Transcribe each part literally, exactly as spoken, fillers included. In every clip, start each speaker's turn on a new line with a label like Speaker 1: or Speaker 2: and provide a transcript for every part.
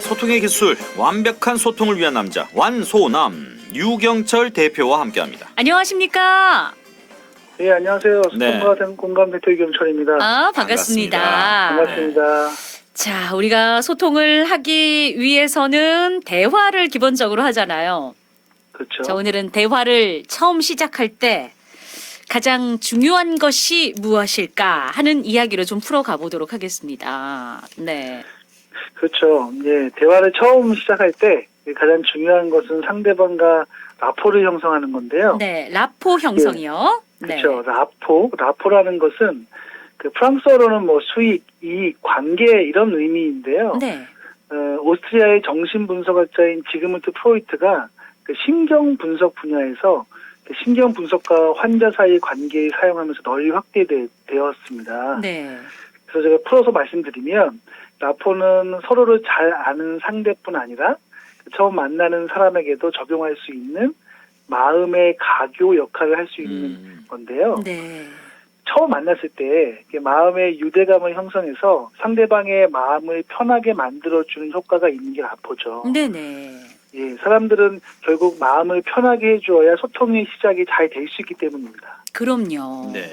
Speaker 1: 소통의 기술, 완벽한 소통을 위한 남자 완소남 유경철 대표와 함께합니다.
Speaker 2: 안녕하십니까?
Speaker 3: 네, 안녕하세요.
Speaker 1: 네.
Speaker 3: 소통과 공감 대표 이경철입니다.
Speaker 2: 아, 반갑습니다.
Speaker 3: 반갑습니다.
Speaker 2: 자, 우리가 소통을 하기 위해서는 대화를 기본적으로 하잖아요.
Speaker 3: 그렇죠.
Speaker 2: 자, 오늘은 대화를 처음 시작할 때 가장 중요한 것이 무엇일까 하는 이야기로 좀 풀어가 보도록 하겠습니다. 네.
Speaker 3: 그렇죠. 예, 대화를 처음 시작할 때 가장 중요한 것은 상대방과 라포를 형성하는 건데요.
Speaker 2: 네, 라포 형성이요.
Speaker 3: 그렇죠. 라포, 라포라는 것은 그 프랑스어로는 뭐 수익, 이익, 관계 이런 의미인데요.
Speaker 2: 네.
Speaker 3: 어, 오스트리아의 정신분석학자인 지그문트 프로이트가 그 신경 분석 분야에서 그 신경 분석과 환자 사이의 관계를 사용하면서 널리 확대되었습니다.
Speaker 2: 네.
Speaker 3: 그래서 제가 풀어서 말씀드리면 라포는 서로를 잘 아는 상대뿐 아니라 처음 만나는 사람에게도 적용할 수 있는 마음의 가교 역할을 할 수 있는
Speaker 1: 음.
Speaker 3: 건데요.
Speaker 2: 네.
Speaker 3: 처음 만났을 때 마음의 유대감을 형성해서 상대방의 마음을 편하게 만들어주는 효과가 있는 게 라포죠.
Speaker 2: 네네.
Speaker 3: 예, 사람들은 결국 마음을 편하게 해주어야 소통의 시작이 잘 될 수 있기 때문입니다.
Speaker 2: 그럼요.
Speaker 1: 네.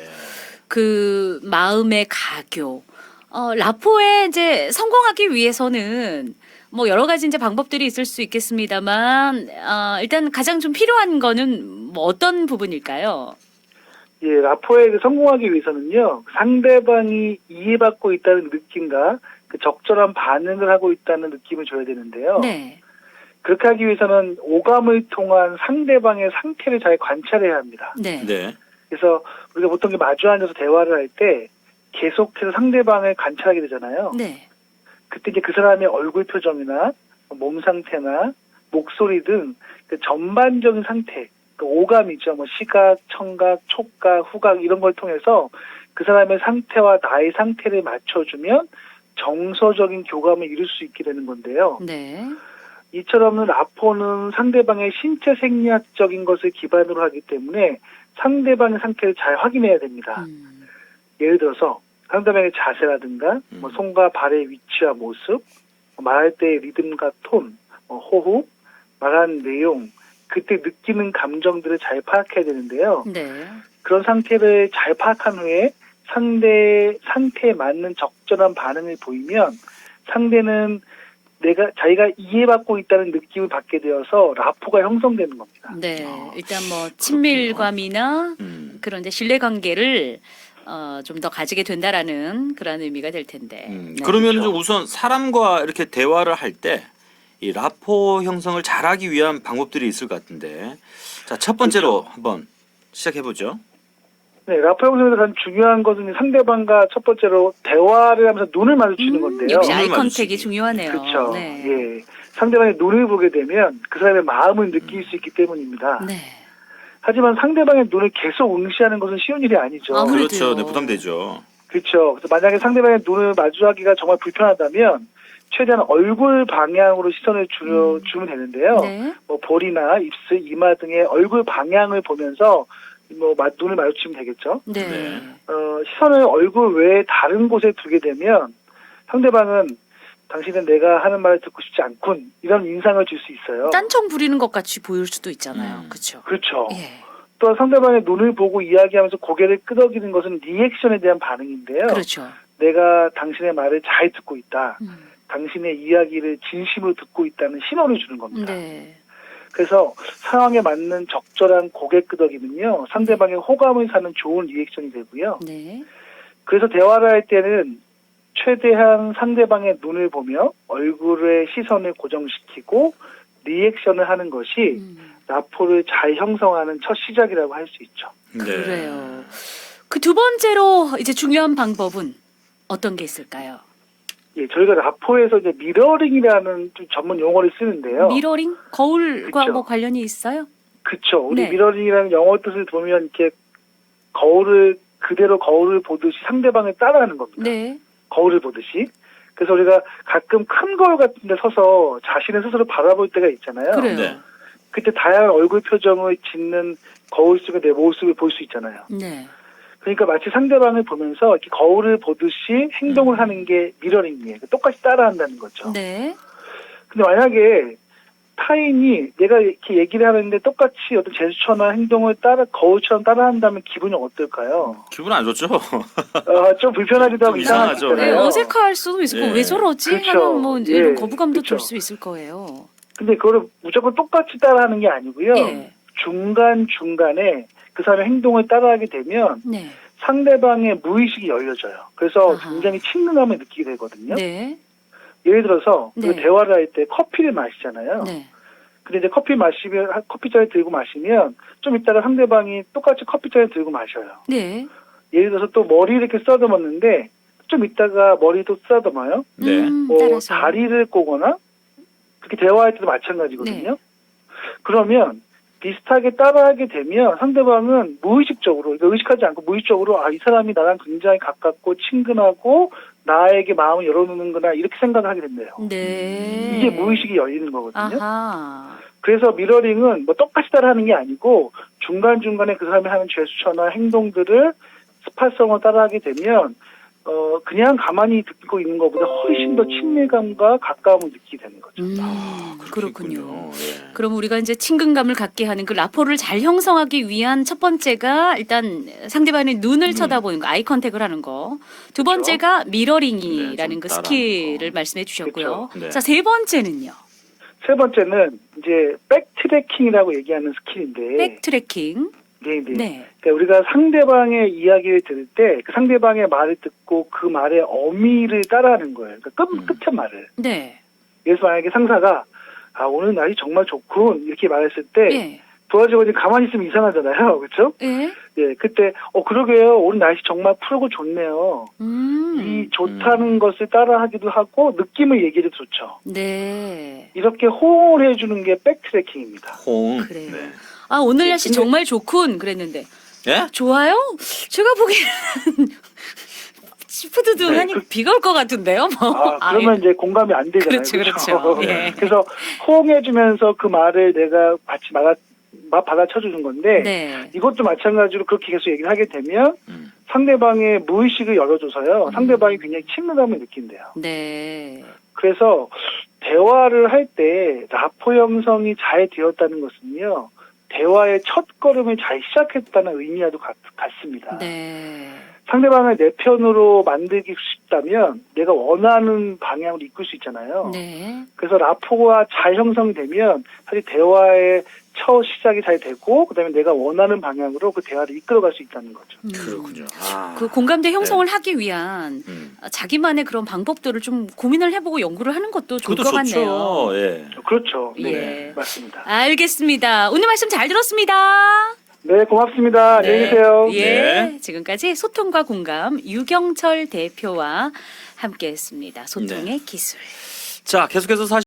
Speaker 2: 그 마음의 가교. 어, 라포에 이제 성공하기 위해서는 뭐 여러 가지 이제 방법들이 있을 수 있겠습니다만, 어, 일단 가장 좀 필요한 거는 뭐 어떤 부분일까요?
Speaker 3: 예, 라포에 성공하기 위해서는요, 상대방이 이해받고 있다는 느낌과 그 적절한 반응을 하고 있다는 느낌을 줘야 되는데요.
Speaker 2: 네.
Speaker 3: 그렇게 하기 위해서는 오감을 통한 상대방의 상태를 잘 관찰해야 합니다.
Speaker 2: 네.
Speaker 1: 네.
Speaker 3: 그래서 우리가 보통 마주 앉아서 대화를 할 때 계속해서 상대방을 관찰하게 되잖아요.
Speaker 2: 네.
Speaker 3: 그때 이제 그 사람의 얼굴 표정이나 몸 상태나 목소리 등 그 전반적인 상태, 그 오감이죠. 뭐 시각, 청각, 촉각, 후각 이런 걸 통해서 그 사람의 상태와 나의 상태를 맞춰주면 정서적인 교감을 이룰 수 있게 되는 건데요.
Speaker 2: 네.
Speaker 3: 이처럼 라포는 상대방의 신체 생리학적인 것을 기반으로 하기 때문에 상대방의 상태를 잘 확인해야 됩니다.
Speaker 2: 음.
Speaker 3: 예를 들어서 상대방의 자세라든가
Speaker 1: 음.
Speaker 3: 뭐 손과 발의 위치와 모습, 말할 때의 리듬과 톤, 뭐 호흡, 말하는 내용, 그때 느끼는 감정들을 잘 파악해야 되는데요.
Speaker 2: 네.
Speaker 3: 그런 상태를 잘 파악한 후에 상대 상태에 맞는 적절한 반응을 보이면 상대는 내가 자기가 이해받고 있다는 느낌을 받게 되어서 라포가 형성되는 겁니다.
Speaker 2: 네.
Speaker 1: 아,
Speaker 2: 일단 뭐 친밀감이나
Speaker 1: 음.
Speaker 2: 그런 이제 신뢰 관계를 어, 좀 더 가지게 된다라는 그런 의미가 될 텐데.
Speaker 1: 음.
Speaker 2: 네.
Speaker 1: 그러면
Speaker 3: 그렇죠.
Speaker 1: 우선 사람과 이렇게 대화를 할 때 이 라포 형성을 잘하기 위한 방법들이 있을 것 같은데, 자, 첫 번째로
Speaker 3: 그렇죠.
Speaker 1: 한번 시작해 보죠.
Speaker 3: 네, 라포 형성에서 가장 중요한 것은 상대방과 첫 번째로 대화를 하면서 눈을 마주치는
Speaker 2: 음,
Speaker 3: 건데요.
Speaker 2: 역시
Speaker 1: 눈을
Speaker 2: 아이 컨택이
Speaker 1: 마주치기.
Speaker 2: 중요하네요.
Speaker 3: 그렇죠.
Speaker 2: 네.
Speaker 3: 예, 상대방의 눈을 보게 되면 그 사람의 마음을 느낄 수 있기 때문입니다.
Speaker 2: 네.
Speaker 3: 하지만 상대방의 눈을 계속 응시하는 것은 쉬운 일이 아니죠.
Speaker 2: 아무래도요.
Speaker 1: 그렇죠. 네, 부담되죠.
Speaker 3: 그렇죠. 그래서 만약에 상대방의 눈을 마주하기가 정말 불편하다면 최대한 얼굴 방향으로 시선을 주,
Speaker 2: 음.
Speaker 3: 주면 되는데요.
Speaker 2: 네.
Speaker 3: 뭐 볼이나 입술, 이마 등의 얼굴 방향을 보면서 뭐 마- 눈을 마주치면 되겠죠.
Speaker 2: 네.
Speaker 1: 네.
Speaker 3: 어, 시선을 얼굴 외에 다른 곳에 두게 되면 상대방은 당신은 내가 하는 말을 듣고 싶지 않군 이런 인상을 줄 수 있어요.
Speaker 2: 딴청 부리는 것 같이 보일 수도 있잖아요.
Speaker 1: 음.
Speaker 2: 그렇죠.
Speaker 3: 그렇죠.
Speaker 2: 예.
Speaker 3: 또 상대방의 눈을 보고 이야기하면서 고개를 끄덕이는 것은 리액션에 대한 반응인데요.
Speaker 2: 그렇죠.
Speaker 3: 내가 당신의 말을 잘 듣고 있다.
Speaker 2: 음.
Speaker 3: 당신의 이야기를 진심으로 듣고 있다는 신호를 주는 겁니다.
Speaker 2: 네.
Speaker 3: 그래서 상황에 맞는 적절한 고개 끄덕이면요. 상대방의 호감을 사는 좋은 리액션이 되고요.
Speaker 2: 네.
Speaker 3: 그래서 대화를 할 때는 최대한 상대방의 눈을 보며 얼굴의 시선을 고정시키고 리액션을 하는 것이
Speaker 2: 음.
Speaker 3: 라포를 잘 형성하는 첫 시작이라고 할 수 있죠.
Speaker 1: 네.
Speaker 2: 그래요. 그 두 번째로 이제 중요한 방법은 어떤 게 있을까요?
Speaker 3: 예, 저희가 라포에서 이제 미러링이라는 좀 전문 용어를 쓰는데요.
Speaker 2: 미러링? 거울과
Speaker 3: 그쵸.
Speaker 2: 뭐 관련이 있어요?
Speaker 3: 그쵸. 우리
Speaker 2: 네.
Speaker 3: 미러링이라는 영어 뜻을 보면 이렇게 거울을 그대로 거울을 보듯이 상대방을 따라하는 겁니다.
Speaker 2: 네.
Speaker 3: 거울을 보듯이. 그래서 우리가 가끔 큰 거울 같은 데 서서 자신을 스스로 바라볼 때가 있잖아요.
Speaker 2: 그래요.
Speaker 1: 네.
Speaker 3: 그때 다양한 얼굴 표정을 짓는 거울 속의 내 모습을 볼 수 있잖아요.
Speaker 2: 네.
Speaker 3: 그러니까 마치 상대방을 보면서 이렇게 거울을 보듯이 행동을
Speaker 1: 음.
Speaker 3: 하는 게 미러링이에요. 똑같이 따라한다는 거죠.
Speaker 2: 네.
Speaker 3: 근데 만약에 타인이 내가 이렇게 얘기를 하는데 똑같이 어떤 제스처나 행동을 따라 거울처럼 따라한다면 기분이 어떨까요?
Speaker 1: 기분 안 좋죠.
Speaker 3: 어, 좀 불편하기도 하고
Speaker 1: 좀
Speaker 3: 이상하기
Speaker 1: 이상하죠.
Speaker 2: 네,
Speaker 3: 때문에.
Speaker 2: 어색할 수도 있을 거고
Speaker 1: 예.
Speaker 2: 왜 저러지?
Speaker 3: 그렇죠.
Speaker 2: 하는 뭐 이제 이런
Speaker 3: 예.
Speaker 2: 거부감도
Speaker 3: 그렇죠.
Speaker 2: 들 수 있을 거예요.
Speaker 3: 근데 그거를 무조건 똑같이 따라하는 게 아니고요.
Speaker 2: 예.
Speaker 3: 중간 중간에 그 사람의 행동을 따라하게 되면
Speaker 2: 네.
Speaker 3: 상대방의 무의식이 열려져요. 그래서
Speaker 2: 아하.
Speaker 3: 굉장히 친근함을 느끼게 되거든요.
Speaker 2: 네.
Speaker 3: 예를 들어서
Speaker 2: 네.
Speaker 3: 그 대화를 할 때 커피를 마시잖아요.
Speaker 2: 네.
Speaker 3: 근데 이제 커피 마시면 커피잔에 들고 마시면 좀 이따가 상대방이 똑같이 커피잔에 들고 마셔요.
Speaker 2: 네.
Speaker 3: 예를 들어서 또 머리를 이렇게 쓰다듬었는데 좀 이따가 머리도 쓰다듬어요.
Speaker 1: 네.
Speaker 2: 음,
Speaker 3: 뭐
Speaker 2: 따라서.
Speaker 3: 다리를 꼬거나 그렇게 대화할 때도 마찬가지거든요.
Speaker 2: 네.
Speaker 3: 그러면 비슷하게 따라하게 되면 상대방은 무의식적으로, 그러니까 의식하지 않고 무의식적으로 아, 이 사람이 나랑 굉장히 가깝고 친근하고 나에게 마음을 열어놓는구나 이렇게 생각을 하게 된대요.
Speaker 2: 네.
Speaker 3: 이게 무의식이 열리는 거거든요.
Speaker 2: 아하.
Speaker 3: 그래서 미러링은 뭐 똑같이 따라하는 게 아니고 중간중간에 그 사람이 하는 제스처나 행동들을 스파성을 따라하게 되면 어 그냥 가만히 듣고 있는 것보다 훨씬 더 친밀감과 가까움을 느끼게 되는 거죠.
Speaker 2: 음,
Speaker 1: 아,
Speaker 2: 그렇군요.
Speaker 1: 있군요. 예.
Speaker 2: 그럼 우리가 이제 친근감을 갖게 하는 그 라포를 잘 형성하기 위한 첫 번째가 일단 상대방의 눈을
Speaker 1: 음.
Speaker 2: 쳐다보는 거, 아이 컨택을 하는 거. 두
Speaker 3: 그렇죠.
Speaker 2: 번째가
Speaker 1: 네,
Speaker 2: 미러링이라는
Speaker 1: 좀
Speaker 2: 그
Speaker 1: 따라하는
Speaker 2: 스킬을
Speaker 1: 거.
Speaker 2: 말씀해 주셨고요.
Speaker 1: 그렇죠. 네.
Speaker 2: 자, 세 번째는요.
Speaker 3: 세 번째는 이제 백트래킹이라고 얘기하는 스킬인데
Speaker 2: 백트래킹.
Speaker 3: 네, 네.
Speaker 2: 네.
Speaker 3: 그러니까 우리가 상대방의 이야기를 들을 때 그 상대방의 말을 듣고 그 말의 어미를 따라하는 거예요. 그러니까 끝,
Speaker 1: 음.
Speaker 3: 끝의 말을.
Speaker 2: 네.
Speaker 3: 그래서 만약에 상사가 아 오늘 날이 정말 좋군 이렇게 말했을 때
Speaker 2: 예.
Speaker 3: 도와주고 가만히 있으면 이상하잖아요. 그렇죠?
Speaker 2: 예.
Speaker 3: 예, 그때 어 그러게요. 오늘 날씨 정말 푸르고 좋네요.
Speaker 2: 음.
Speaker 3: 이 좋다는 것을 따라하기도 하고 느낌을 얘기해도 좋죠.
Speaker 2: 네.
Speaker 3: 이렇게 호응을 해주는 게 백트래킹입니다.
Speaker 1: 홍.
Speaker 2: 그래요.
Speaker 1: 네.
Speaker 2: 아, 오늘 날씨
Speaker 3: 근데-
Speaker 2: 정말 좋군 그랬는데.
Speaker 1: 예?
Speaker 2: 좋아요? 제가 보기에는 시푸드둥하니
Speaker 3: 네, 그-
Speaker 2: 비가 올 것 같은데요. 뭐.
Speaker 3: 아, 그러면 이제 공감이 안 되잖아요.
Speaker 2: 그렇죠, 그렇죠. 예.
Speaker 3: 그래서 호응해주면서 그 말을 내가 같이 받아, 마- 받아쳐주는 건데
Speaker 2: 네.
Speaker 3: 이것도 마찬가지로 그렇게 계속 얘기를 하게 되면
Speaker 1: 음.
Speaker 3: 상대방의 무의식을 열어줘서요.
Speaker 2: 음.
Speaker 3: 상대방이 굉장히 친밀감을 느낀대요.
Speaker 2: 네.
Speaker 3: 그래서 대화를 할 때 라포 형성이 잘 되었다는 것은요. 대화의 첫 걸음을 잘 시작했다는 의미와도 같, 같습니다.
Speaker 2: 네.
Speaker 3: 상대방을 내 편으로 만들기 쉽다면 내가 원하는 방향으로 이끌 수 있잖아요.
Speaker 2: 네.
Speaker 3: 그래서 라포가 잘 형성되면 사실 대화의 첫 시작이 잘 되고 그다음에 내가 원하는 방향으로 그 대화를 이끌어갈 수 있다는 거죠.
Speaker 2: 음.
Speaker 1: 그렇군요. 아.
Speaker 2: 그 공감대 형성을 하기 위한
Speaker 1: 음.
Speaker 2: 자기만의 그런 방법들을 좀 고민을 해보고 연구를 하는 것도 좋을
Speaker 1: 그것도
Speaker 2: 것
Speaker 1: 좋죠.
Speaker 2: 같네요.
Speaker 1: 예.
Speaker 3: 그렇죠. 네,
Speaker 2: 예.
Speaker 3: 맞습니다.
Speaker 2: 알겠습니다. 오늘 말씀 잘 들었습니다.
Speaker 3: 네, 고맙습니다. 안녕히 계세요.
Speaker 2: 예.
Speaker 1: 네.
Speaker 2: 지금까지 소통과 공감 유경철 대표와 함께했습니다. 소통의 기술.
Speaker 1: 자, 계속해서 사실